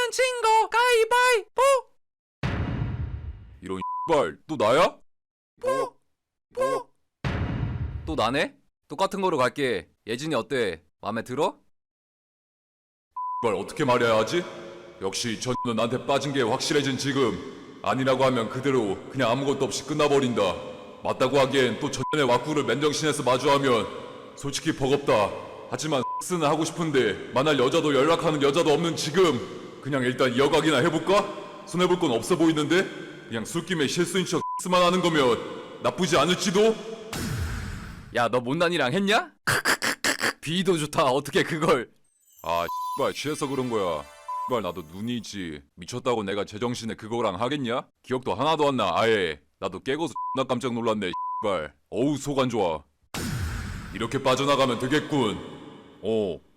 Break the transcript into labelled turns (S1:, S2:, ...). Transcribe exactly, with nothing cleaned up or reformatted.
S1: 내면 진 거 가위바위보.
S2: 이런 X발 또 나야?
S1: 뽀. 뽀.
S2: 또 나네? 똑같은 거로 갈게. 예진이 어때? 맘에 들어?
S3: X발 어떻게 말해야 하지? 역시 전는 나한테 빠진 게 확실해진 지금 아니라고 하면 그대로 그냥 아무것도 없이 끝나버린다. 맞다고 하기엔 또 전년의 왁구를 맨정신에서 마주하면 솔직히 버겁다. 하지만 X는 하고 싶은데 만날 여자도 연락하는 여자도 없는 지금 그냥 일단 이어가기나 해볼까? 손해볼 건 없어 보이는데? 그냥 술김에 실수인 척 X만 하는 거면 나쁘지 않을지도?
S2: 야, 너 못난이랑 했냐? 비도 좋다. 어떻게 그걸?
S3: 아 X발 취해서 그런 거야. X발 나도 눈이지. 미쳤다고 내가 제정신에 그거랑 하겠냐? 기억도 하나도 안 나 아예. 나도 깨고서 X나 깜짝 놀랐네 X발. 어우 속 안 좋아. 이렇게 빠져나가면 되겠군. 어